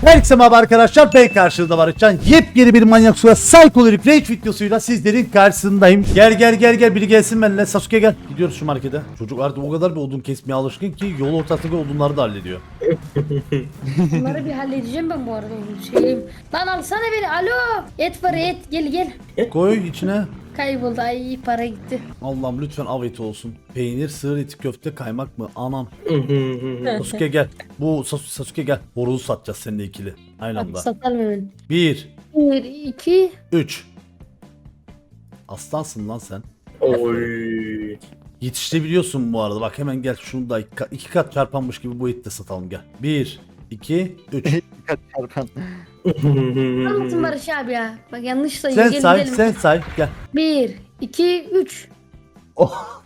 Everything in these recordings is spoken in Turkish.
Herkese merhaba arkadaşlar, ben karşınızda Barışcan. Yepyeni bir Manyak Suya Psychological Rage videosuyla sizlerin karşısındayım. Gel biri gelsin benimle. Sasuke gel. Gidiyoruz şu markete. Çocuk artık o kadar bir odun kesmeye alışkın ki yol ortasındaki odunları da hallediyor. Bunları bir halledeceğim ben bu arada. Şeyim. Lan alsana beni. Alo. Et var et. Gel. Koy içine. Kayboldu. Ay para gitti. Allah'ım lütfen av eti olsun. Peynir, sığır eti, köfte, kaymak mı? Anam. Sasuke gel. Sasuke gel. Horozu satacağız seninle ikili. Aynı Hadi anda. satalım hemen. 1, 1, 2. 3. Aslansın lan sen. Oy. Yetiştirebiliyorsun bu arada. Bak hemen gel şunu da iki kat çarpanmış gibi bu eti de satalım gel. 1, 2, 3. Dikkat çarpan. Anlatın Barış abi ya. Bak yanlış sayıyor. Sen say gel. 1, 2, 3. Oh.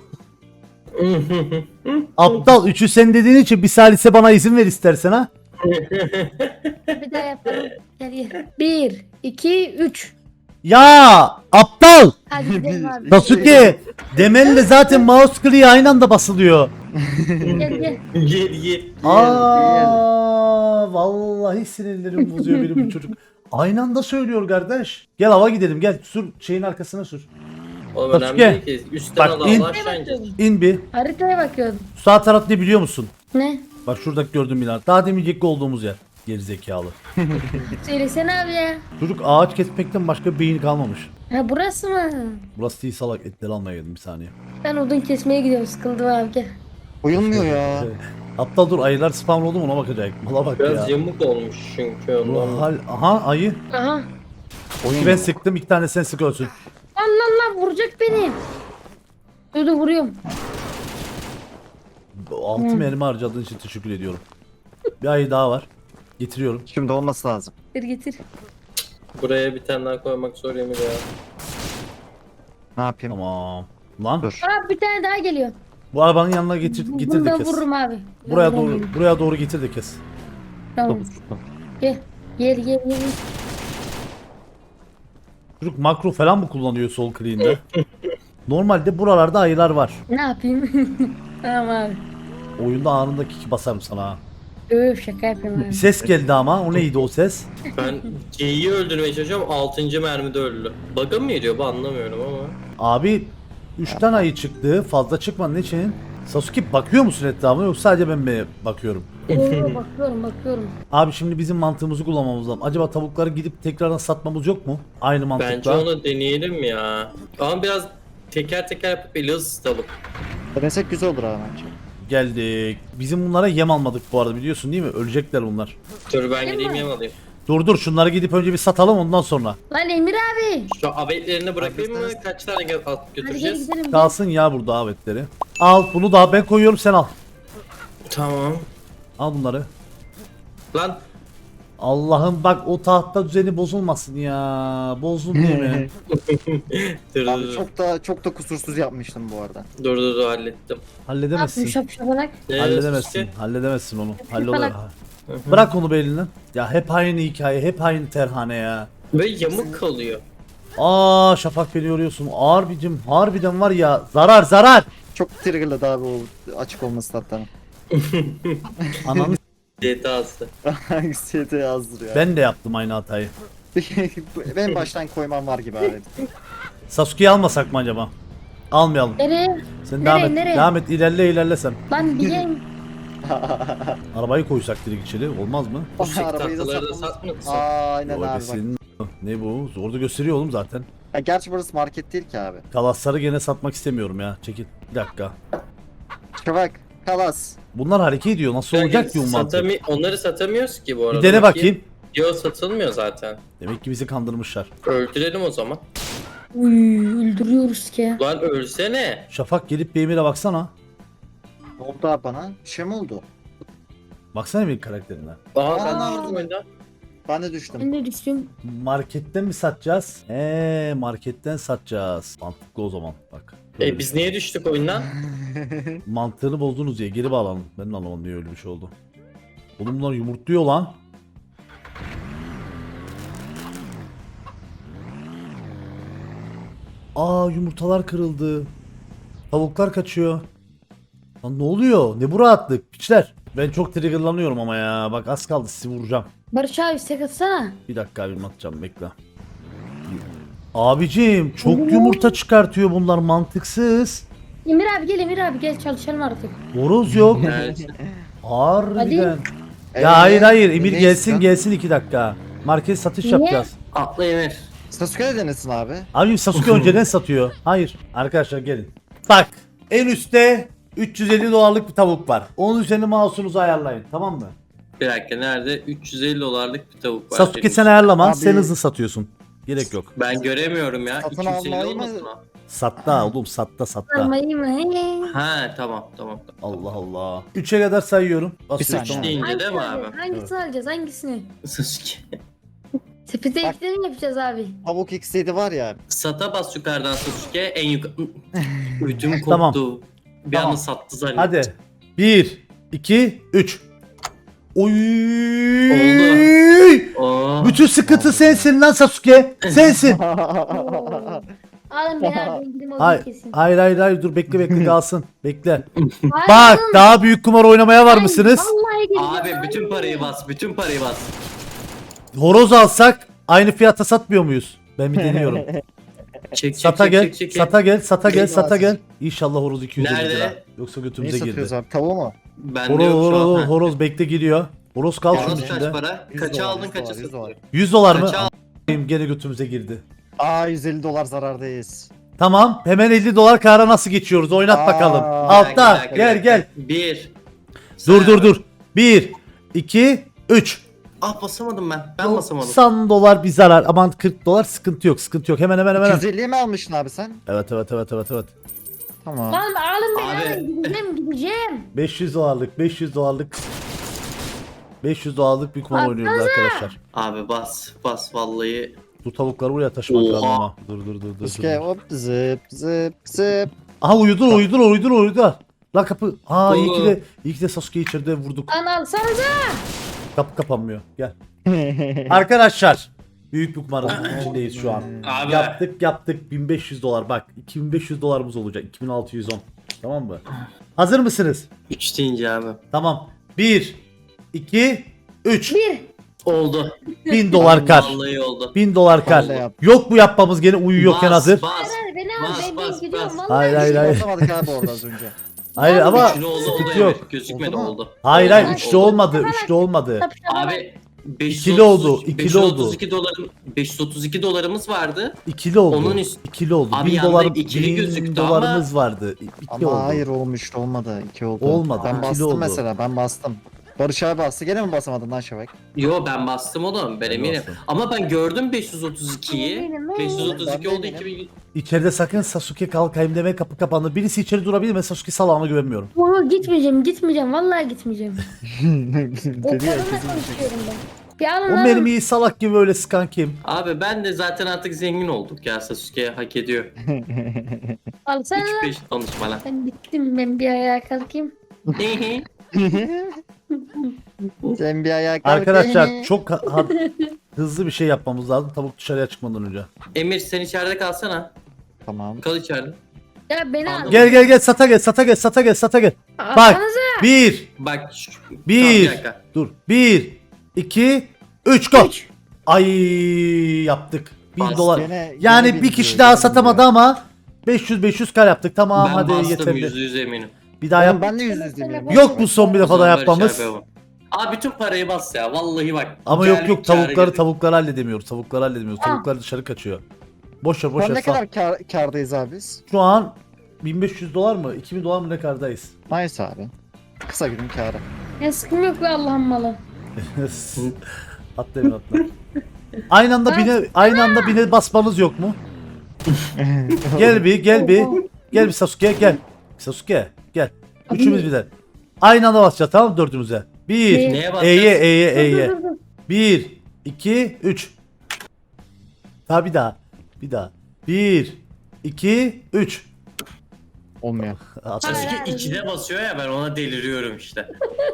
Aptal 3'ü sen dediğin için bir salise bana izin ver istersen ha. Bir daha yapalım. Gel. 1, 2, 3. Ya aptal. Hadi gidelim abi. Sasuke demenle zaten mouse kliği aynı anda basılıyor. Gel. Gel. Aa vallahi sinirlerim bozuyor benim bu çocuk. Aynı anda söylüyor kardeş. Gel hava gidelim gel sür şeyin arkasına sür. Oğlum Sasuke. önemli değil ki. Üstten Bak, al in. Allah aşağı ineceğiz. İn bir. Haritaya bakıyordum. Sağ taraf ne biliyor musun? Ne? Bak şuradaki gördüğüm bina. Daha demin yekli olduğumuz yer. Gerizekalı. Söylesene abi ya. Çocuk ağaç kesmekten başka bir beyin kalmamış. Ha burası mı? Burası değil salak, etleri almaya geldim bir saniye. Ben odun kesmeye gidiyorum. Sıkıldım abi gel. Uyulmuyor ya. Aptal dur, ayılar spawn oldu mu ona bakacak. Mala bak Biraz ya. yamuk olmuş çünkü Bu ondan. hal... Aha ayı. Aha. İki ben sıktım, iki tane sen sık ölsün. Lan vuracak beni. Dur vuruyorum. 6 mermi harcadığın için teşekkür ediyorum. Bir ayı daha var. Getiriyorum. Şimdi olması lazım. Getir. Buraya bir tane daha koymak zor yemin ya. Ne yapayım? Tamam. Lan Dur. Aa bir tane daha geliyor. bu arabanın yanına getir Bunu de da kes. vururum abi. Buraya doğru getir de kes. Tamam. Gel. Çocuk makro falan mı kullanıyor sol kliğinde? Normalde buralarda ayılar var. Ne yapayım? Tamam abi. Oyunda anında kiki basarım sana ha. Öf şaka yapıyorum Bir abi. ses geldi ama o neydi o ses? Ben C'yi öldürmeye çalışıyorum 6. mermide öldü. Bug'a mı geliyor bu anlamıyorum ama. Abi 3'ten ayı çıktı, fazla çıkmadı ne için? Sasuke bakıyor musun etrafına yoksa sadece ben mi bakıyorum? Oo, bakıyorum. Abi şimdi bizim mantığımızı kullanmamız lazım. Acaba tavukları gidip tekrardan satmamız yok mu? Aynı mantıkla. Bence onu deneyelim ya. Ama biraz teker teker yapıp eli ısıtalım. Denesek güzel olur abi bence. Geldik. Bizim bunlara yem almadık bu arada biliyorsun değil mi? Ölecekler bunlar. Dur ben gideyim yem alayım. Dur şunları gidip önce bir satalım ondan sonra. Lan Emir abi. Şu abetlerini bırakayım mı? Kaç tane alıp Hadi gel götüreceğiz? gidelim. Kalsın ya burada avetleri. Al bunu da ben koyuyorum sen al. Tamam. Al bunları. Lan Allah'ım bak o tahta düzeni bozulmasın ya. Bozdun değil mi? dur Abi dur çok da kusursuz yapmıştım bu arada. dur hallettim. Ne yapayım Halledemezsin. şapşapanak. Halledemezsin. Halledemezsin onu. Hallolur. Falan. Bırak onu be elinden. Ya hep aynı hikaye, hep aynı terhane ya. Ve yamuk kalıyor. Aa Şafak beni yoruyorsun. Harbicim harbiden var ya zarar. Çok triggerladı abi o açık olması hatta. Ananı DTA'sı. Hangisi de yazdır ya. ben de yaptım aynı hatayı. Ben baştan koymam var gibi abi. Sasuke'yi almasak mı acaba? Almayalım. Nereye? Sen Nereye, nereye? devam et ilerle sen. Lan bir gel. Arabayı koysak direkt içeri olmaz mı? Bu sik Arabayı da tahtaları da satmamız- satmıyorsun. Aynen Yo, abi bak. senin ne bu? Orada gösteriyor oğlum zaten. Ya gerçi burası market değil ki abi. Kalasları gene satmak istemiyorum ya. Çekil. Bir dakika. Şafak, kalas. Bunlar hareket ediyor. Nasıl olacak ki bu mantık? Onları satamıyoruz ki bu arada. Bir dene bakayım. Yo satılmıyor zaten. Demek ki bizi kandırmışlar. Öldürelim o zaman. Uy öldürüyoruz ki. Lan ölsene. Şafak gelip bir Emir'e baksana. Ne oldu abi bana? Bir şey mi oldu? Baksana bir karakterine. Aa ben Aa. de vurdum oyundan. Ben de düştüm. Ben de düştüm. Marketten mi satacağız? Marketten satacağız. Mantıklı o zaman bak. Biz niye düştük oyundan? Mantığını bozdunuz diye geri bağlanın. Ben de anlamadım niye öyle bir şey oldu. Oğlum bunlar yumurtluyor lan. Aa yumurtalar kırıldı. Tavuklar kaçıyor. Lan ne oluyor? Ne bu rahatlık piçler? Ben çok triggerlanıyorum ama ya. Bak az kaldı sizi vuracağım. Barış abi istek atsana. Bir dakika abim atacağım bekle. Abicim çok yumurta çıkartıyor bunlar mantıksız. Emir abi gel, Emir abi gel çalışalım artık. Horoz yok. Evet. Harbiden. Ya hayır Emir ne gelsin istiyorsun? gelsin 2 dakika. Market satış Niye? yapacağız. Atla Emir. Sasuke de denesin abi. Abi Sasuke önceden satıyor. Hayır. Arkadaşlar gelin. Bak en üstte 350 dolarlık bir tavuk var. Onun üzerine mouse'unuzu ayarlayın tamam mı? Bir dakika nerede? 350 dolarlık bir tavuk var. Sasuke benim sen için. ayarlama. Abi- Sen hızlı satıyorsun. Gerek yok. Ben göremiyorum ya. Satın 250 almayı mı? olmasın o? Satta oğlum satta. Almayı mı? He. Ha tamam. Allah Allah. 3'e kadar sayıyorum. Basıyorsun. saniye. Üç deyince Hangisini değil mi alacağız? abi? Hangisini alacağız? Hangisini? Sasuke. Sepete Bak. eklerim yapacağız abi. Tavuk X7 var ya. Sata bas yukarıdan Sasuke en yukarı. Ödüm koptu. Tamam. Bir Tamam. anda sattı zannettim. Hadi. 1, 2, 3. Oy. Oldu. Oo. Bütün sıkıntı sensin lan Sasuke. Sensin. Alın beni abi indirim olur Hayır, kesin. hayır dur bekle kalsın. Bekle. Hayır, Bak oğlum. daha büyük kumar oynamaya var mısınız? Vallahi gireceğim. Abi bütün parayı bas. Bütün parayı bas. Horoz alsak aynı fiyata satmıyor muyuz? Ben bir deniyorum. Çek Sata gel, çek. sata gel. İnşallah horoz 250 Nerede? lira. Yoksa Neyi götümüze satıyoruz girdi. abi? Tavuğu mu? Bende yok şu an. Horoz, Ha. horoz bekle giriyor. Horoz kal şunun Horoz kaç içinde. para? 100 Kaça dolar, aldın 100 kaça dolar, 100 satın? dolar. 100 dolar mı? Kaça al- Gene götümüze girdi. Aa 150 dolar zarardayız. Tamam hemen 50 dolar kâra nasıl geçiyoruz? Oynat Aa. bakalım. Bir Altta gel. 1. Dur. 1, 2, 3. Ah basamadım ben. Ben basamadım. 90 dolar bir zarar. Aman 40 dolar sıkıntı yok. Hemen. 250'ye mi almışsın abi sen? Evet. Tamam. Lan alın beni Abi. alın gideceğim. 500 dolarlık. 500 dolarlık bir kumar Abi, oynuyoruz arkadaşlar. Abi bas vallahi. Bu tavukları buraya taşımak Oha. lazım ama. Dur. Sasuke hop zıp. Aha uyudur. Lan kapı. Aa iyi Oğlum. ki de Sasuke içeride vurduk. Lan alsanıza. Kapı kapanmıyor. Gel. Arkadaşlar büyük bir kumarın içindeyiz şu an. Abi. Yaptık 1500 dolar bak 2500 dolarımız olacak 2610 tamam mı? Hazır mısınız? 3 deyince abi. Tamam 1 2 3 Bir. Oldu. 1000 dolar kar. Vallahi oldu. 1000 dolar kar. Vallahi yap. Yok bu yapmamız gene uyuyorken hazır. Bas. Hadi beni al Bas, ben bas, gidiyorum bas. vallahi. Hayır. Basamadık abi orada az önce. Hayır ama Üçlü oldu sıkıntı yok. evet. Gözükmedi Oldu mu? oldu. Hayır Oldu. üçlü olmadı. Üçlü olmadı. Abi 530, İkili oldu, ikili oldu. 532 dolarımız vardı. İkili oldu. Onun üst- İkili oldu. Abi 1000 yanda dolar ikili 1000 gözüktü dolarımız vardı. İki Ama oldu. hayır olmuştu olmadı. 2 oldu. Olmadı, Ben ikili bastım oldu. mesela ben bastım. Barış abi bastı gene mi basamadın lan Şevak? Yo ben bastım oğlum ben eminim. bastım. Ama ben gördüm 532'yi. Benim, 532 ben oldu benim. 2000. İçeride sakın Sasuke kalkayım deme kapı kapandı. Birisi içeri durabilir mi? Sasuke salağına güvenmiyorum. Oo, gitmeyeceğim vallahi gitmeyeceğim. O Dedi ya kadınla kızım. konuşuyorum ben. Bir alın O alın. mermiyi salak gibi öyle sıkan kim? Abi ben de zaten artık zengin olduk ya Sasuke hak ediyor. Alsana. 3-5 konuşma lan. Ben bittim ben bir ayağa kalkayım. Sen bir ayağa kalk. Arkadaşlar çok hızlı bir şey yapmamız lazım tavuk dışarıya çıkmadan önce. Emir sen içeride kalsana. Tamam. Kal içeride. Ya beni al. Gel sata gel. Bak Alsanıza. 1 Bak 1 Tamam, bir dakika. dur 1 2 3 go. Ay yaptık. 1000 Bas. dolar. Gene Yani bin bir kişi diyor, daha gene bin satamadı diyor. ama 500 kar yaptık. Tamam ben hadi bastım yeterli. %100 eminim. Bir daha Oğlum yap. ben de yüz demiyorum. Yok bu son bir defa da Barış yapmamız. abi ama. Abi bütün parayı bas ya vallahi bak. Ama Geldik, yok kâra tavukları girdik. halledemiyoruz. Tavuklar dışarı kaçıyor. Boş Şu an ver. ne sal. kadar kardayız abi biz? Şu an 1500 dolar mı? 2000 dolar mı ne kardayız? Nice abi. Kısa günün kârı. Ya sıkım yok be Allah'ın malı. atla. Aynı anda bine basmanız yok mu? Gel bir Sasuke gel. Sasuke gel. Üçümüz birden. Aynı anda basacağız tamam mı dördümüze? Bir. Neye basacağız? E'ye. Dur, dur, dur. 1 2 3. Ha bir daha. 1 2 3. Olmuyor. Sasuke 2'de basıyor ya ben ona deliriyorum işte.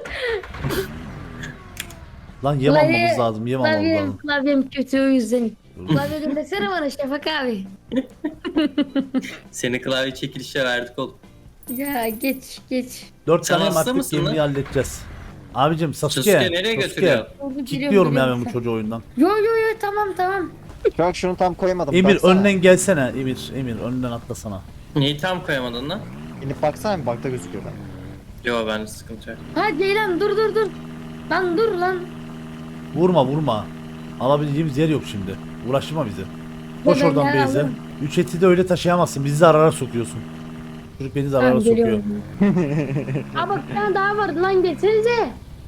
Lan yem almamız lazım. Klavyem kötü o yüzden. Klavye göndersene bana Şafak abi. Seni klavye çekilişe verdik oğlum. Ya geç. 4 Sen tane hasta artık mısın gemiyi lan? halledeceğiz. Abicim Sasuke. Sasuke nereye götürüyor? Orada Kilitliyorum ya ben bu geliyorum. çocuğu oyundan. Yo yo yo tamam. Şu an şunu tam koyamadım. Emir baksana. önden gelsene. Emir önden atlasana. Neyi tam koyamadın lan? İnip baksana bir bakta gözüküyor ben. Yo bende sıkıntı yok. Ha Ceylan dur. Lan dur lan. Vurma. Alabileceğimiz yer yok şimdi. Uğraştırma bizi. Koş Ben oradan yer Beyze. alırım. 3 eti de öyle taşıyamazsın. Bizi zarara sokuyorsun. Çocuk beni zarara Tamam, sokuyor. geliyorum. Aa bak bir tane daha vardı lan geçsenize.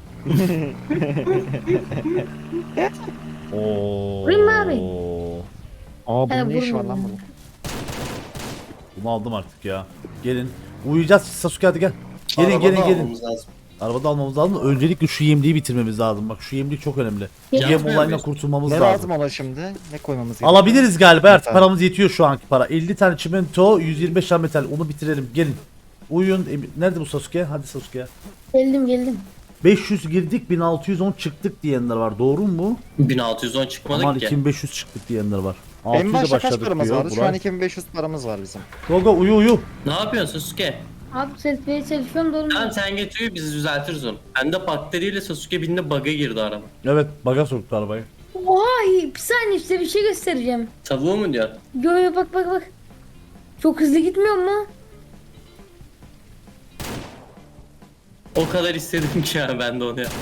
Oo. Vurayım mı abi? Aa He, bunun ne işi var vurmadım. lan bunun? Bunu aldım artık ya. Gelin. Uyuyacağız Sasuke hadi gel. Gelin Arabada gelin. almamız lazım. Arabada almamız lazım. Öncelikle şu yemliği bitirmemiz lazım. Bak şu yemlik çok önemli. Yem Yapmıyor olayından muyuz? kurtulmamız Ne lazım. lazım ona şimdi? Ne koymamız gerekiyor? Alabiliriz galiba artık Metal. paramız yetiyor şu anki para. 50 tane çimento, 125 tane metal. Onu bitirelim. Gelin. Uyuyun. Nerede bu Sasuke? Hadi Sasuke. Geldim. 500 girdik 1610 çıktık diyenler var. Doğru mu? 1610 çıkmadık Aman ki. 2500 çıktık diyenler var. En 600'e başta kaç başladık paramız diyor vardı? Şu Buray. an 2500 paramız var bizim. Go uyu. Ne yapıyorsun Sasuke? Abi sesmeye çalışıyorum da Tamam olmuyor. sen getiriyor biz düzeltiriz onu. Ben de bakteriyle Sasuke bindi bug'a girdi araba. Evet baga soktu arabayı. Oha bir saniye size bir şey göstereceğim. Tavuğu mu diyor? Yo bak. Çok hızlı gitmiyor mu? O kadar istedim ki ya ben de onu yaptım.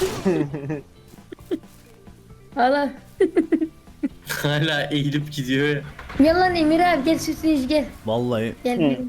Hala. Hala eğilip gidiyor ya. Gel lan Emir abi gel süsleyici gel. Vallahi. Gel.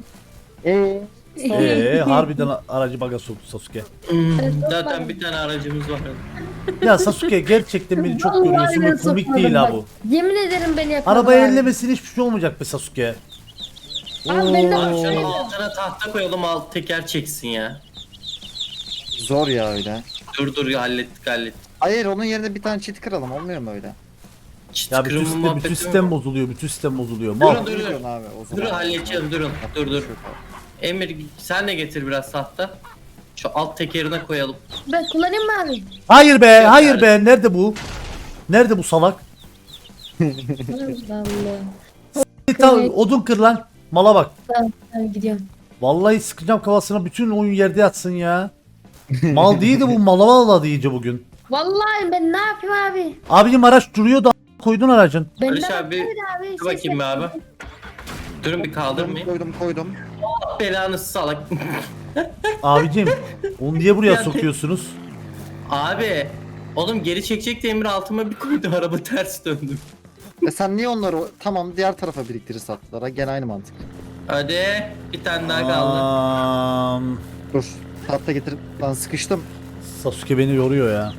Harbiden aracı baga soktu Sasuke. Zaten bir tane aracımız var. Ya Sasuke gerçekten beni çok Vallahi görüyorsun ben ve komik sokmadım değil ha bak. bu. Yemin ederim beni yapmadım. Arabayı abi. ellemesin hiçbir şey olmayacak be Sasuke. Abi ben de Abi bak şunun altına tahta koyalım alt teker çeksin ya. Zor ya öyle. Dur hallettik. Hayır onun yerine bir tane çit kıralım olmuyor mu öyle? Çit Ya kırımı bütün muhabbeti sistem mi? bozuluyor. Bütün sistem bozuluyor. Durun, Mal. dur. Ne diyorsun abi o zaman? Durun halledeceğim durun. Dur. Yok abi. Emir sen de getir biraz tahta. Şu alt tekerine koyalım. ben kullanayım mı abi? Hayır be, Yok hayır yani. be. Nerede bu? Nerede bu salak? Allah. Tamam, odun kır lan. Mala bak. Tamam gidiyorum. Vallahi sıkacağım kafasına bütün oyun yerde yatsın ya. Mal değildi bu mala vallahi iyice bugün. Vallahi ben ne yapayım abi? Abicim araç duruyor da koydun aracın. Ben Barış ne abi, yapayım abi? Dur bakayım be abi. Durun bir kaldırmayayım. Koydum. Belanı salak. Abicim onu niye buraya Ya- sokuyorsunuz? Abi. Oğlum geri çekecek de Emir altıma bir koydu araba ters döndü. Sen niye onları tamam diğer tarafa biriktirir sattılar? Gene aynı mantık. Hadi bir tane daha kaldı. Dur. Tahta getir. Lan sıkıştım. Sasuke beni yoruyor ya.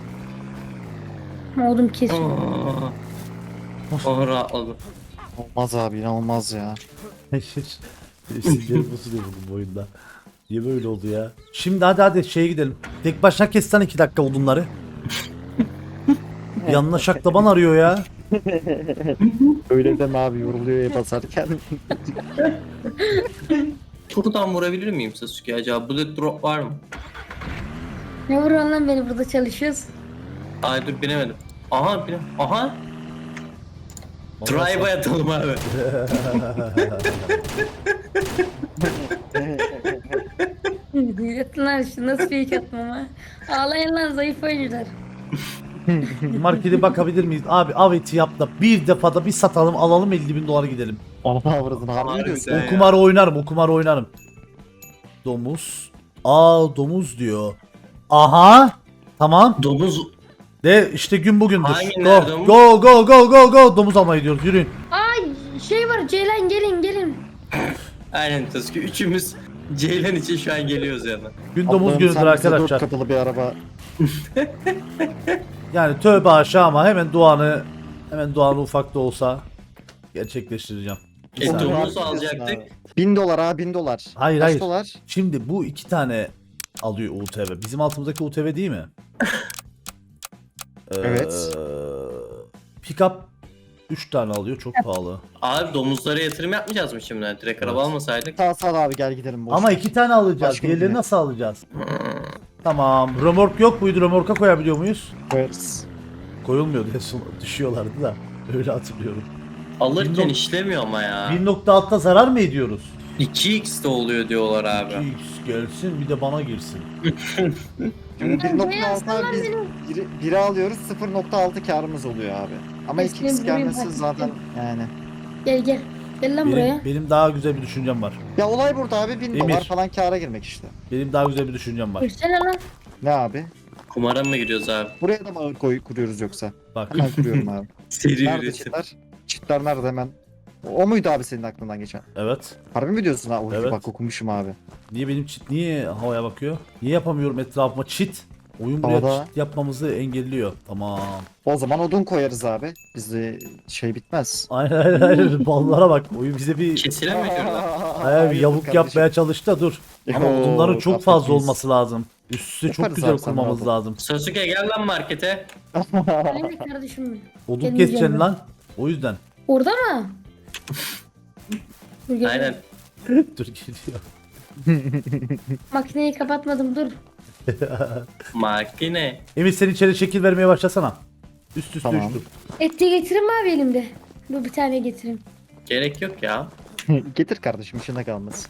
Oğlum kesin. Oh rahatladım. Olmaz abi inanılmaz ya. Sinirlerim bozuluyor bu oyunda. Niye böyle oldu ya? Şimdi hadi şeye gidelim. Tek başına kes lan 2 dakika odunları. Yanına şaklaban arıyor ya. Öyle deme abi yoruluyor ya basarken. Buradan vurabilir miyim Sasuke acaba? Bullet drop var mı? Ne vuruyorsun lan beni burada çalışıyoruz. Ay dur binemedim. Aha bine. Aha. Drive'a yatalım abi. Yatın lan şu nasıl fake atmam ha. Ağlayın lan zayıf oyuncular. Markete bakabilir miyiz? Abi aveti yap da bir defada bir satalım alalım 50.000 dolar gidelim. Ana avradını harbi diyorsun. Harbiden. O kumarı oynarım, o kumarı oynarım. Domuz. Domuz diyor. Aha. Tamam. Domuz. De işte gün bugündür. Hangi Go. nerede domuz? Go. Domuz almaya gidiyoruz. Yürüyün. Ay şey var Ceylan gelin. Aynen Sasuke. Üçümüz Ceylan için şu an geliyoruz yani. Gün domuz Allah'ım günüdür sen bize arkadaşlar. 4 kapılı bir araba. Yani tövbe aşağı ama hemen duanı ufak da olsa gerçekleştireceğim. Bir saniye. Domuz Abi, alacaktık. abi. 1000 dolar ha 1000 dolar. Hayır, Kaç hayır. dolar? Şimdi bu 2 tane alıyor UTV. Bizim altımızdaki UTV değil mi? Evet. Pickup 3 tane alıyor. Çok pahalı. Abi domuzlara yatırım yapmayacağız mı şimdi? Direkt araba almasaydık. Sağ abi gel gidelim. Boş Ama ver. 2 tane alacağız. Başka Diğerlerini bir- nasıl alacağız? Tamam. Römork yok muydu? Römorka koyabiliyor muyuz? Koyarız. Koyulmuyordu. En son düşüyorlardı da. Öyle hatırlıyorum. Alırken Bilmiyorum. işlemiyor ama ya. 1.6'da zarar mı ediyoruz? 2x de oluyor diyorlar abi. 2x gelsin bir de bana girsin. Şimdi Ben 1.6 beyazdan biz benim. biri alıyoruz 0.6 karımız oluyor abi. Ama Eskiden 2x burayı gelmesi fark zaten ettim. yani. Gel gel. Gel lan buraya. Benim daha güzel bir düşüncem var. Ya olay burada abi 1000 Emir. dolar falan kâra girmek işte. Benim daha güzel bir düşüncem var. Girsene lan. Ne abi? Kumara mı giriyoruz abi? Buraya da mı kuruyoruz yoksa? Bak. Hemen kuruyorum abi. Seri Nerede üretim. çitler? Çitler nerede hemen? O muydu abi senin aklından geçen? Evet. Harbi mi diyorsun ha? Oy, Evet. bak okumuşum abi. Niye benim çit niye havaya bakıyor? Niye yapamıyorum etrafıma çit? Oyun buraya Havada. çit yapmamızı engelliyor. Tamam. O zaman odun koyarız abi. Bizde şey bitmez. Aynen. Ballara bak. Oyun bize bir Kesilemiyor ki orada. bir yavuk yapmaya çalıştı da dur. Ama Yo, odunların çok gaflet fazla miyiz? olması lazım. Üstü çok Yaparız güzel abi, sen kurmamız rahat ol. lazım. Sasuke gel lan markete. Aynen kardeşim benim. Odun Gelmeyeceğim keseceksin ben. lan. O yüzden. Orada mı? Dur, gel. Aynen. Dur geliyor. Makineyi kapatmadım dur. Makine. Emir sen içeri şekil vermeye başlasana. Üst üste Tamam. üçlü. Et de getireyim mi abi elimde? Dur bir tane getireyim. Gerek yok ya. Getir kardeşim işine kalmaz.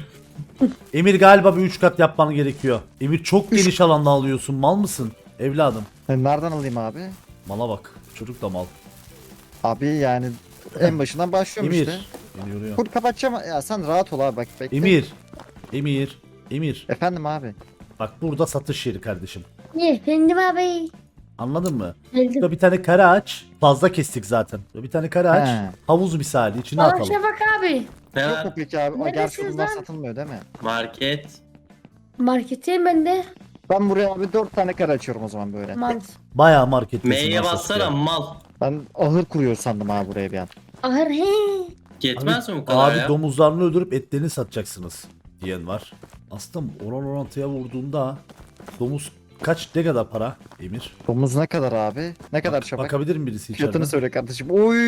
Emir galiba bir 3 kat yapman gerekiyor. Emir çok geniş alanda alıyorsun. Mal mısın? Evladım. Nereden alayım abi? Mala bak. Çocuk da mal. Abi yani en başından başlıyorum Emir. işte. Beni yoruyor. Full kapatacağım. Ya sen rahat ol abi bak bekle. Emir. Emir. Emir. Efendim abi. Bak burada satış yeri kardeşim. Niye? Efendim abi. Anladın mı? Geldim. Burada bir tane kare aç. Fazla kestik zaten. Burada bir tane kare aç. He. Havuz misali içine Bana atalım. Şafak abi. Ne Yok var? mu peki abi? O gerçi Neredesiniz bunlar lan? satılmıyor değil mi? Market. Marketteyim ben de. Ben buraya abi 4 tane kare açıyorum o zaman böyle. Mal. Bayağı markettesin. M'ye lan bassana Sasuke. mal. Ben ahır kuruyor sandım abi buraya bir an. Ahır he. Yetmez mi bu kadar Abi ya? domuzlarını öldürüp etlerini satacaksınız diyen var. Aslında orantıya vurduğunda domuz ne kadar para Emir? Domuz ne kadar abi? Ne kadar şabak? Bakabilir mi birisi içeriden? Fiyatını söyle kardeşim. Oy.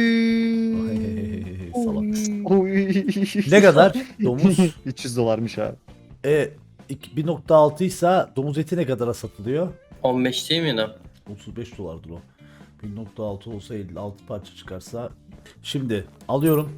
Salak. Oy. Ne kadar domuz? 300 dolarmış abi. 1.6 ise domuz eti ne kadara satılıyor? 15 değil miydi? 35 dolardır o. 1.6 olsa 56 parça çıkarsa. Şimdi alıyorum.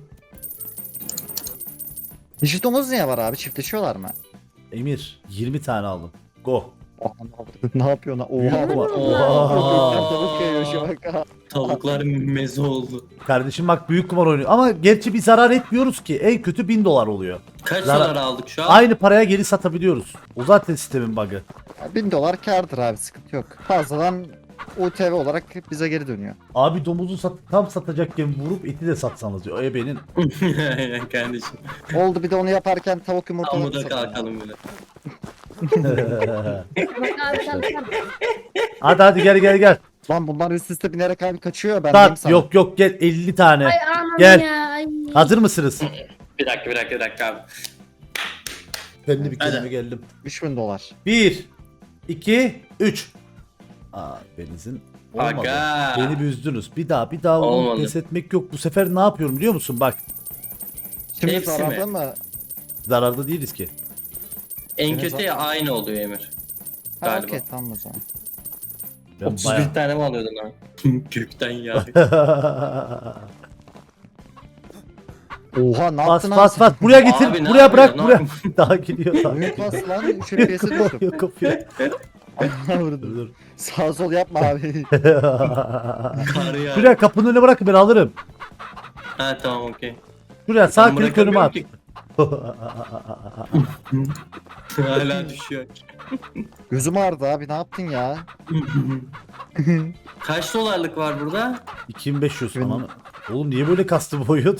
Dişi domuz niye var abi? Çiftleşiyorlar mı? Emir 20 tane aldım. Go. Oha, ne yapıyor lan? Oha. Büyük var. Oha. Oha. Tavuk kayıyor şabak. Tavuklar meze oldu. Kardeşim bak büyük kumar oynuyor. Ama gerçi bir zarar etmiyoruz ki. En kötü 1000 dolar oluyor. Kaç Zarar- dolar aldık şu an? Aynı paraya geri satabiliyoruz. O zaten sistemin bug'ı. 1000 dolar kârdır abi sıkıntı yok. Fazladan UTV olarak bize geri dönüyor. Abi domuzu tam satacakken vurup eti de satsanız diyor. Benim. Aynen kardeşim. Oldu bir de onu yaparken tavuk yumurtaları Amuda satalım. kalkalım bile. Bak abi kalkar. hadi gel. Lan bunlar üst üste binerek abi kaçıyor ben diyeyim Sat. sana. Yok gel 50 tane. Ay anam Gel. ya. Ay. Hazır mısınız? Bir dakika abi. Ben de bir Hadi. kelime geldim. 3000 dolar. 1 2 3. Benzin olmadı. Aga. Beni bir üzdünüz. Bir daha onu Olmadı. pes etmek yok. Bu sefer ne yapıyorum biliyor musun? Bak Şimdi Hepsi zararda mi? mı? zararda değiliz ki. En Senin kötü ya aynı oluyor Emir. Ha Galiba. okey tamam o zaman. Ben 31 tane mi alıyordun abi? Gökten ya. Oha ne Bas yaptın bas. Buraya getir. Abi ne buraya bırak yapıyor, ne buraya. yapıyor? Daha gidiyor. Daha Büyük gidiyor. bas lan 3 FPS'e düştüm. Yok kapıya. Vurdum. Dur. Sağ sol yapma abi. Kar ya. Şuraya kapının önüne bırakın ben alırım. Ha tamam okey. Şuraya sağ Ben klik önüme at. bırakamıyorum Hala düşüyor. Gözüm ağrıdı abi ne yaptın ya? Kaç dolarlık var burada? 2500 falan. Oğlum niye böyle kastı boyut?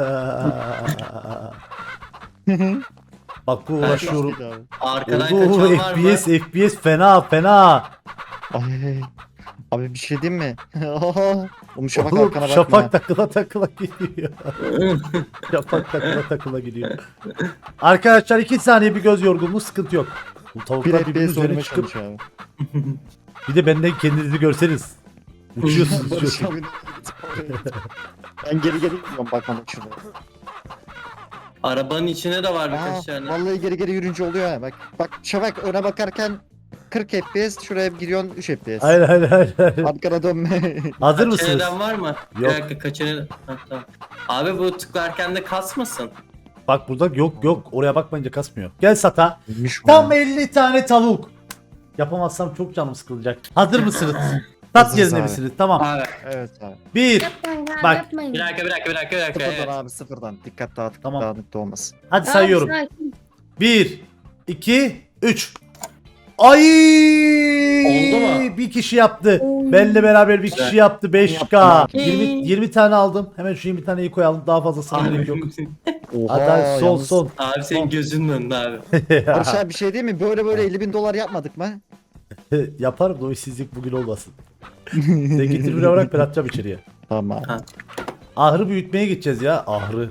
Bak bu uğraşıyorum. Abi. Arkadan Oo, kaçan var mı? FPS fena. Ay. Abi bir şey diyeyim mi? Oğlum şafak Oğlum, arkana bakma. Şafak takıla gidiyor. Şafak takıla gidiyor. Arkadaşlar 2 saniye bir göz yorgunluğu sıkıntı yok. Bu Bir tavuklar birbirinin FPS üzerine oynamaya çıkıp çalışıyor abi. bir de benden kendinizi görseniz. Uçuyorsunuz Barış uçuyorsunuz. abi. Ben geri gidiyorum bakmamak şurada. Arabanın içine de var Aa, birkaç tane. vallahi geri yürünce oluyor ha bak. Bak şafak öne bakarken 40 FPS şuraya giriyorsun 3 FPS. Hayır. Arkana dönme. Hazır mısınız? Kaçeneden var mı? Yok. Bir dakika kaçeneden. Ha, tamam. Abi bu tıklarken de kasmasın. Bak burada yok oraya bakmayınca kasmıyor. Gel sata. Neymiş bu Tam ya? 50 tane tavuk. Yapamazsam çok canım sıkılacak. Hazır mısınız? Tat Hazırız yerinde abi. misiniz? Tamam. Abi Evet abi. 1. Yapmayın abi Bak. yapmayın. bir dakika. Sıfırdan Evet. abi sıfırdan. Dikkat dağıtık Tamam. dağınık da olmasın. Hadi Tamam, sayıyorum. sakin. 1, 2, 3. Ay! Oldu mu? Bir kişi yaptı. Oy. Benle beraber bir Güzel. kişi yaptı. 5K. Yaptım 20 tane aldım. Hemen şu 20 taneyi koyalım. Daha fazlasına gerek yok. Oha, Hadi son yalnız- son. Abi senin gözünün önünde abi. Barış abi bir şey değil mi? Böyle 50.000 dolar yapmadık mı? Yaparım da o işsizlik bugün olmasın. Sen getir bir bırak ben atacağım içeriye. Tamam. Ha. Ahırı büyütmeye gideceğiz ya. Ahırı.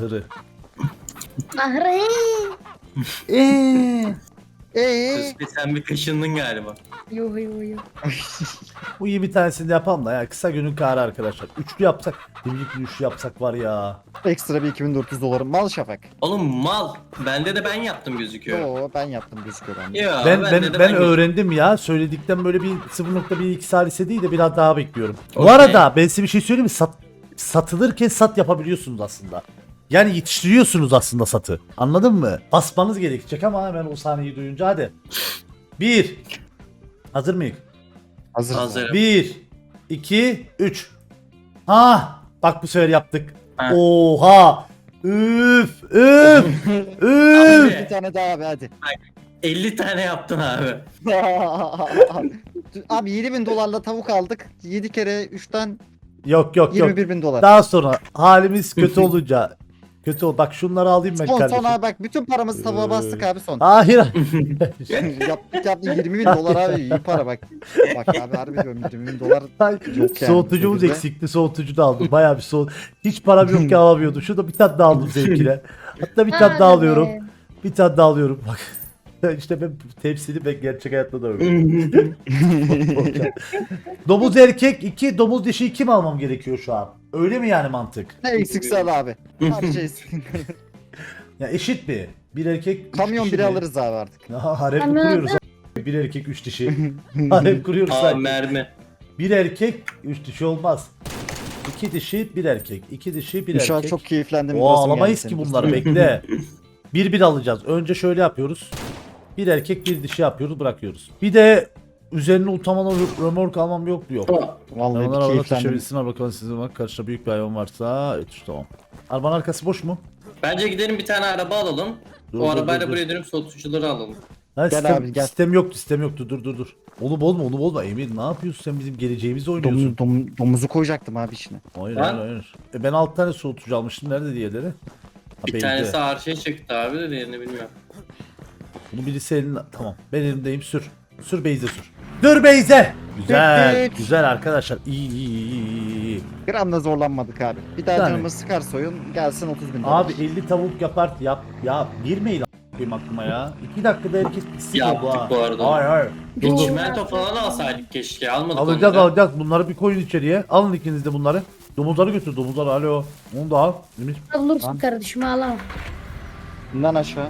Ahre. Sözde sen bir kaşındın galiba. Yo yo yo. Bu 20 tanesini de yapalım da ya. Kısa günün karı arkadaşlar. Üçlü yapsak. Birlikte üçlü yapsak var ya. Ekstra bir 2400 dolarım. Mal Şafak. Oğlum mal. Bende de ben yaptım gözüküyor. Yo ben yaptım gözüküyor bende. Yo, Ben bende de öğrendim ya. Söyledikten böyle bir 0.12 salise değil de biraz daha bekliyorum. Bu Okey. arada ben size bir şey söyleyeyim mi? Satılırken sat yapabiliyorsunuz aslında. Yani yetiştiriyorsunuz aslında satı. Anladın mı? Basmanız gerekecek ama hemen o sahneyi duyunca hadi. 1. Hazır mıyız? Hazır. Hazırım. 1, 2, 3. Ha, bak bu sefer yaptık. Ha. Oha. Üf, üf, üf. Bir tane daha abi hadi. 50 tane yaptın abi. Abi 7.000 dolarla tavuk aldık. 7 kere 3'ten Yok yok yok. 21.000 dolar. Daha sonra halimiz kötü olunca kötü ol. Bak şunları alayım ben Son kardeşim. abi bak bütün paramızı tavuğa bastık abi son. Hayır. yaptık 20.000 dolar abi iyi para bak. Bak abi harbi diyorum 20.000 dolar yok yani. Soğutucumuz Şekilde. eksikti. Soğutucu da aldım. Bayağı bir soğut. Hiç param yok ki alamıyordum. Şurada bir tane daha aldım zevkine. Hatta bir tane daha Hadi alıyorum. be. Bir tane daha alıyorum. Bak. İşte ben tepsili ben gerçek hayatta da öyle. Domuz erkek 2, domuz dişi 2 mi almam gerekiyor şu an? Öyle mi yani mantık? Ne eksikse al abi. Her şey Ya eşit mi? Bir erkek üç kamyon dişi biri mi? alırız abi artık. Ha, harem Kamyon kuruyoruz. Bir erkek 3 dişi. Harem kuruyoruz Aa sanki. mermi. Bir erkek 3 dişi olmaz. 2 dişi bir erkek. 2 dişi bir Şu an erkek. çok keyiflendim. Oo, burasım alamayız geldi ki senin. bunları bekle. Bir alacağız. Önce şöyle yapıyoruz. Bir erkek bir dişi yapıyoruz bırakıyoruz. Bir de üzerine utamalı römork almam yok mu? Yok. Vallahi Hayvanlar bir arada keyiflendim. taşıyabilsinler bakalım sizin var. Karşıda büyük bir hayvan varsa tamam. Arabanın arkası boş mu? Bence gidelim bir tane araba alalım. Dur, o dur, arabayla dur, buraya dönüp soğutucuları alalım. Ha, Gel sistem, abi, gel. sistem yoktu dur. Onu bozma Emir ne yapıyorsun sen bizim geleceğimizi oynuyorsun. Domuzu koyacaktım abi içine. Hayır Lan. hayır. Ben 6 tane soğutucu almıştım nerede diğerleri? Ha, Bir belli. tanesi ağır şey çıktı abi de diğerini bilmiyorum. Bunu birisi eline tamam ben elimdeyim sür. Sür Beyze sür. Dur Beyze. Güzel Tık tık. güzel arkadaşlar iyi. Gram da zorlanmadık abi. Bir daha Yani. canımız sıkar soyun gelsin 30.000 dolar. Abi 50 tavuk yapar ya girmeyin a**ayım aklıma ya. 2 dakikada herkes pislik Yaptık oldu ha. bu arada. Hayır. Dur dur. Çimento falan alsaydık keşke almadık Alacağız bunları bir koyun içeriye. Alın ikiniz de bunları. Domuzları götür domuzları alo. Onu da al. Emir. Bulursun kardeşim ağlama. Bundan aşağı.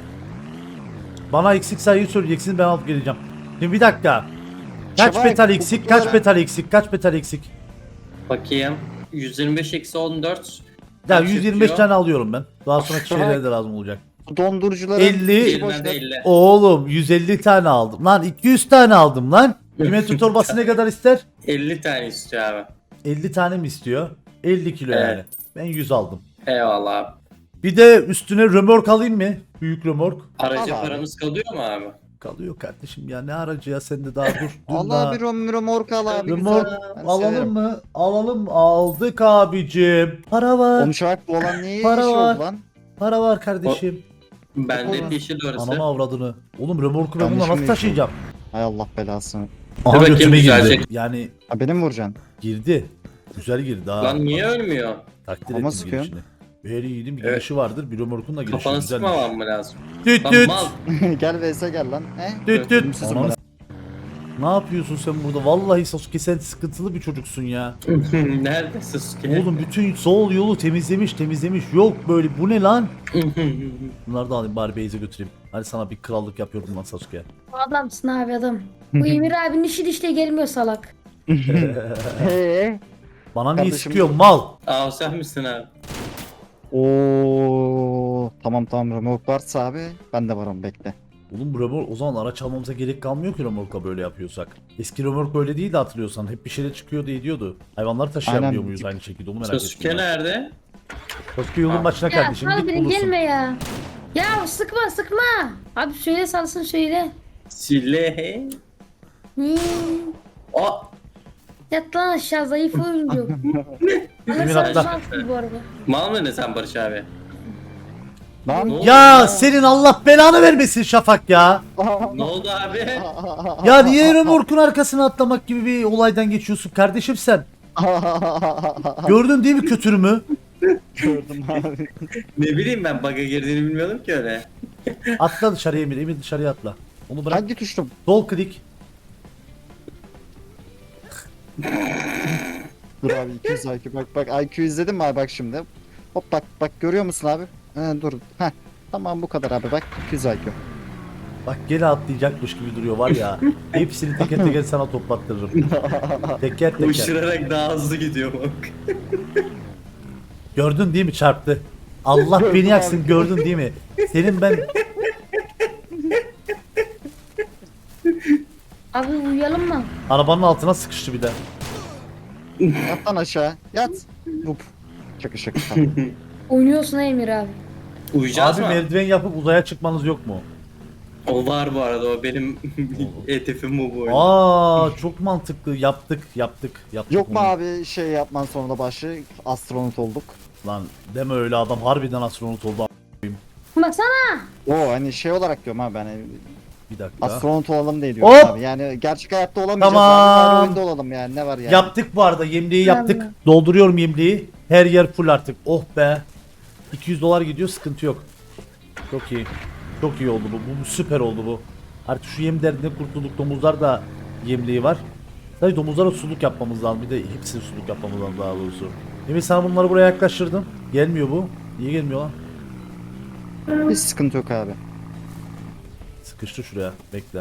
Bana eksik sayıyı söyleyeceksin ben alıp geleceğim. Şimdi bir dakika. Kaç Şabak, metal eksik? Kaç bu- metal eksik? Kaç metal eksik? Bakayım. 125 eksi 14. Ya Kaç 125 yapıyor? tane alıyorum ben. Daha sonra Şabak. şeylere de lazım olacak. Dondurucuları 50. içi boş Elinden de ver. 50. Oğlum 150 tane aldım. Lan 200 tane aldım lan. Kilometre torbası ne kadar ister? 50 tane istiyor abi. 50 tane mi istiyor? 50 kilo Evet. yani. Ben 100 aldım. Eyvallah abi. Bir de üstüne römork alayım mı? Büyük römork. Aracı Al abi. paramız kalıyor mu abi? Kalıyor kardeşim ya ne aracı ya sen de daha dur. Dur Allah daha. bir romork al abi. Römork güzel. Ben alalım severim. mı? Alalım aldık abicim. Para var. Oğlum Şafak bu olan niye Para işi var. oldu lan? Para var kardeşim. Bende Olur. yeşil orası. Anama avradını. Oğlum römorku ben bununla Yanlış nasıl mı taşıyacağım? Hay Allah belasını. Aha bakayım götüme güzelce. girdi. Yani Ha beni mi vuracaksın? girdi. Güzel girdi ha. Lan niye ölmüyor? Takdir Ama ettim sıkıyor. girişini. Her yiğidin bir Evet. girişi vardır. Bir römorkun da girişi Kafanı güzelmiş. sıkmamam mı lazım? Düt Lan düt. mal. Gel vs gel lan. Düt düt. Ölümsüzüm Ananı ben. s- Ne yapıyorsun sen burada? Vallahi Sasuke sen sıkıntılı bir çocuksun ya. Nerede Sasuke? Oğlum bütün sol yolu temizlemiş. Yok böyle bu ne lan? Bunları da alayım bari Beyze götüreyim. Hadi sana bir krallık yapıyordum lan Sasuke. Adamsın abi adam. Bu Emir abinin işi de işte gelmiyor salak. Bana niye Kardeşim- sıkıyor mal? Aa sen misin abi? Oo tamam remork varsa abi ben de varım bekle. Oğlum bu römork o zaman araç almamıza gerek kalmıyor ki römorkla böyle yapıyorsak. Eski römork böyle değildi hatırlıyorsan. Hep bir şeyle çıkıyordu ediyordu. Hayvanları taşıyabiliyor Aynen. muyuz aynı şekilde onu merak Sasuke ettim. nerede? Sasuke yolun başına Ya kardeşim sal git beni bulursun. gelme ya. Ya sıkma. Abi söyle salsın söyle. Silehe. Hmm. Aa. Yat lan aşağı zayıf oyuncu. Bana Emin sen atla. salsın bu arada. Mal mı ne sen Barış abi? Lan. Ne oldu Ya senin Allah belanı vermesin Şafak ya. Ne oldu abi? Ya niye römorkun arkasına atlamak gibi bir olaydan geçiyorsun kardeşim sen? Gördün değil mi kötürümü? Gördüm abi. Ne bileyim ben bug'a girdiğini bilmiyordum ki öyle. Atla dışarıya Emir. Emir dışarıya atla. Onu bırak. Hangi tuştum? Sol klik. Dur abi 200 IQ bak IQ izledin mi abi bak şimdi. Hop bak görüyor musun abi? Dur. Heh. Tamam bu kadar abi bak 200 IQ. Bak gene atlayacakmış gibi duruyor var ya. Hepsini teker teker sana toplattırırım. Teker teker. Uçurarak daha hızlı gidiyor bak. Gördün değil mi çarptı? Allah Gördüm beni yaksın abi. gördün değil mi? Senin ben Abi uyuyalım mı? arabanın altına sıkıştı bir de. Yat lan aşağı. Yat. Rup. Şaka tamam. Oynuyorsun ha Emir abi. Uyuyacağız Abi mı? merdiven yapıp uzaya çıkmanız yok mu? O var bu arada o benim etifim bu oyun. Aa çok mantıklı yaptık. Yok mu onu. abi şey yapman sonunda başı astronot olduk. Lan deme öyle adam harbiden astronot oldu. Baksana. O hani şey olarak diyorum abi ben Bir dakika. astronot olalım diye diyorum Hop! abi. Yani gerçek hayatta olamayacağız Tamam. abi. Bari oyunda olalım yani ne var yani. Yaptık bu arada yemliği yaptık. Tamam. Dolduruyorum yemliği. Her yer full artık. Oh be. 200 dolar gidiyor sıkıntı yok. Çok iyi. Çok iyi oldu bu. Bu süper oldu bu. Artık şu yem derdine kurtulduk. Domuzlar da yemliği var. Sadece domuzlara suluk yapmamız lazım. Bir de hepsini suluk yapmamız lazım daha doğrusu. Emin sana bunları buraya yaklaştırdım. Gelmiyor bu. Niye gelmiyor lan? Hiç sıkıntı yok abi. Sıkıştı şuraya. Bekle.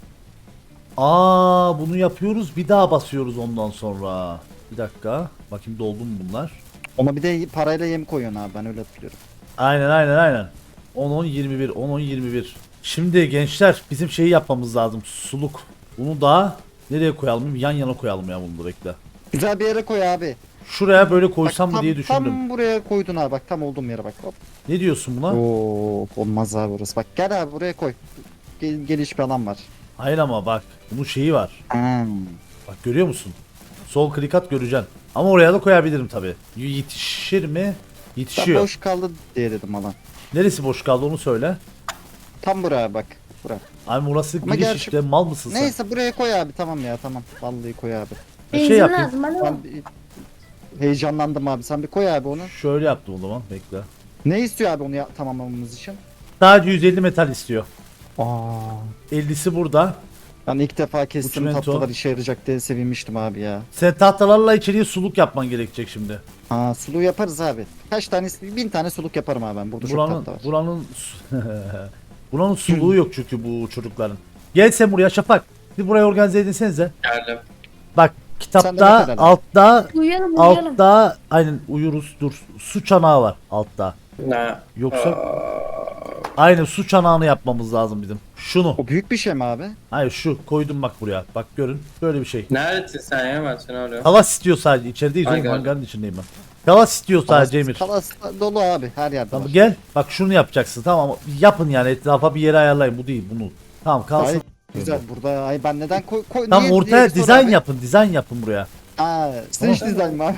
Aa bunu yapıyoruz. Bir daha basıyoruz ondan sonra. Bir dakika. Bakayım doldu mu bunlar? Ona bir de parayla yem koyuyorsun abi ben öyle hatırlıyorum. Aynen. 10-10-21 10-10-21. Şimdi gençler bizim şeyi yapmamız lazım. Suluk. Bunu da nereye koyalım? Yan yana koyalım ya bunu da bekle. Güzel bir yere koy abi. Şuraya böyle Bak, koysam mı diye düşündüm. Tam buraya koydun abi bak tam olduğum yere bak. Hop. Ne diyorsun buna? Oo olmaz abi orası. Bak gel abi buraya koy. Geniş bir alan var. Hayır ama bak bunun şeyi var. Hmm. Bak görüyor musun? Sol klik at göreceksin. Ama oraya da koyabilirim tabi. Yetişir mi? Ben Yetişiyor. boş kaldı diye dedim alan. Neresi boş kaldı onu söyle. Tam buraya bak. Bura. Abi burası Ama giriş gerçi- işte mal mısın sen? Neyse buraya koy abi tamam ya tamam. Vallahi koy abi. Benzin yapayım. lazım alo. Ben bir heyecanlandım abi. Sen bir koy abi onu. Şöyle yaptım o zaman bekle. Ne istiyor abi onu tamamlamamız için? Sadece 150 metal istiyor. Aa. 50'si burada. Ben ilk defa kestim Uçmento. tatlılar işe yarayacak diye sevinmiştim abi ya. Sen tahtalarla içeriye suluk yapman gerekecek şimdi. Aa sulu yaparız abi. Kaç tane 1000 tane suluk yaparım abi ben. Burada çok Buranın tatlı var. buranın suluğu yok çünkü bu çocukların. Gel sen buraya Şafak. Bir burayı organize edinsenize. Geldim. Bak Sen de kitapta mesela. altta Uyuyalım. altta aynen uyuruz dur. Su çanağı var altta. Ne? Yoksa aynen su çanağını yapmamız lazım bizim. Şunu. O büyük bir şey mi abi? Hayır şu koydum bak buraya. Bak görün. Böyle bir şey. Neredesin sen ya ben seni arıyorum. Kalas istiyor sadece. İçerideyiz Ay, oğlum. geldim. Hangarın içindeyim ben. Kalas istiyor sadece Emir. Kalas dolu abi her yerde Tamam var. gel. Bak şunu yapacaksın. Tamam yapın yani etrafa bir yere ayarlayın. Bu değil bunu. Tamam kalsın. Ay, güzel burada ay ben neden koy Tam niye ortaya sor dizayn abi? yapın. Dizayn yapın buraya. Aa, stage dizayn var.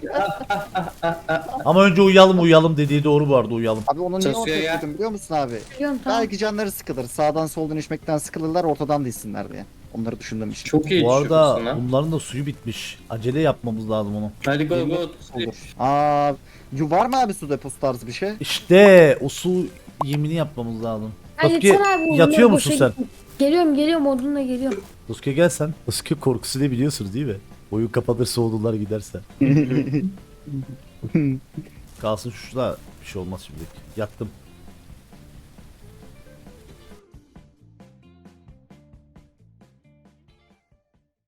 Ama önce uyuyalım dediği doğru bu arada uyuyalım. Abi onu niye Çalışıyor ortaya ya. koydum biliyor musun abi? Biliyorum tamam. Belki canları sıkılır. Sağdan soldan içmekten sıkılırlar ortadan değilsinler diye. Onları düşündüğüm için. Çok iyi Bu arada düşünmüşsün lan. bunların da suyu bitmiş. Acele yapmamız lazım onu. Hadi go go. Olur. Aa, var mı abi su deposu tarzı bir şey? İşte o su yemini yapmamız lazım. Ay, Sasuke yeter abi, yatıyor onlar musun boşa sen? gitti. Geliyorum odunla geliyorum. Sasuke gel sen. Sasuke korkusu ne biliyorsunuz değil mi? Oyun kapatırsa odunlar giderse. Kalsın şurada bir şey olmaz şimdilik. Yattım.